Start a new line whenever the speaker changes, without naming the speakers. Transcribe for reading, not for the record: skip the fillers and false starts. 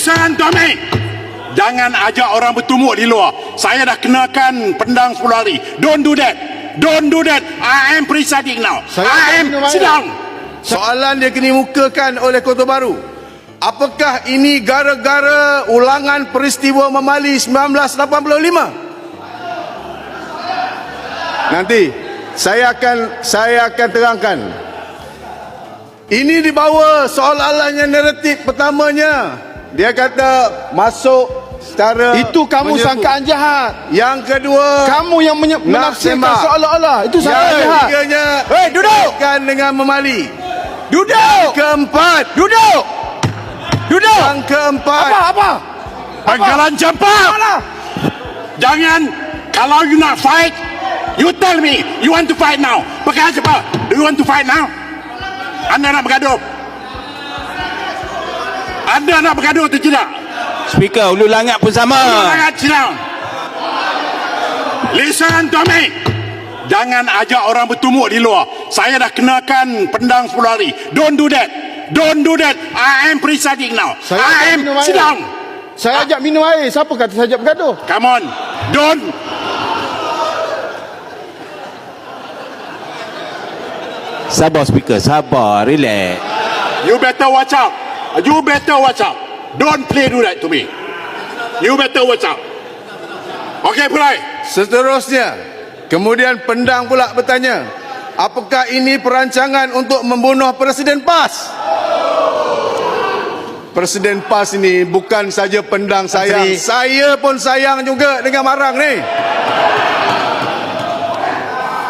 Listen to me. Jangan ajak orang bertumuk di luar. Saya dah kenakan pendang 10 hari. Don't do that. Don't do that. I am presiding now. Sit down.
Soalan dia kemukakan oleh Kota Baru. Apakah ini gara-gara ulangan peristiwa Memali 1985? Nanti saya akan terangkan. Ini dibawa soalannya naratif pertamanya. Dia kata masuk secara
Itu kamu sangkaan jahat.
Yang kedua,
Kamu yang menafsirkan seolah-olah. Itu sangkaan
yang
jahat.
ketiganya,
Hei, duduk.
Kan dengan Memali.
Duduk.
Keempat,
Duduk. Duduk.
yang keempat.
Apa?
Pangkalan campak. Jangan. Kalau you nak fight, you tell me. You want to fight now. Pakai apa? Do you want to fight now? Anda nak bergaduh? Anda nak bergaduh atau tidak?
Speaker, Ulu Langat pun sama.
Sangat silap. Listen to me. Jangan ajak orang bertumuk di luar. Saya dah kenakan pendang 10 hari. Don't do that. Don't do that. I am presiding now. Sit down.
Saya ajak minum air. Siapa kata saya ajak bergaduh?
Come on. Don't.
Sabar, Speaker. Sabar. Relax.
You better watch out. You better watch out. Don't play do that to me. You better watch out. Okay, Pulai.
Seterusnya, kemudian pendang pula bertanya, apakah ini perancangan untuk membunuh Presiden PAS? Presiden PAS ini bukan saja pendang sayang, saya pun sayang juga dengan Marang ni.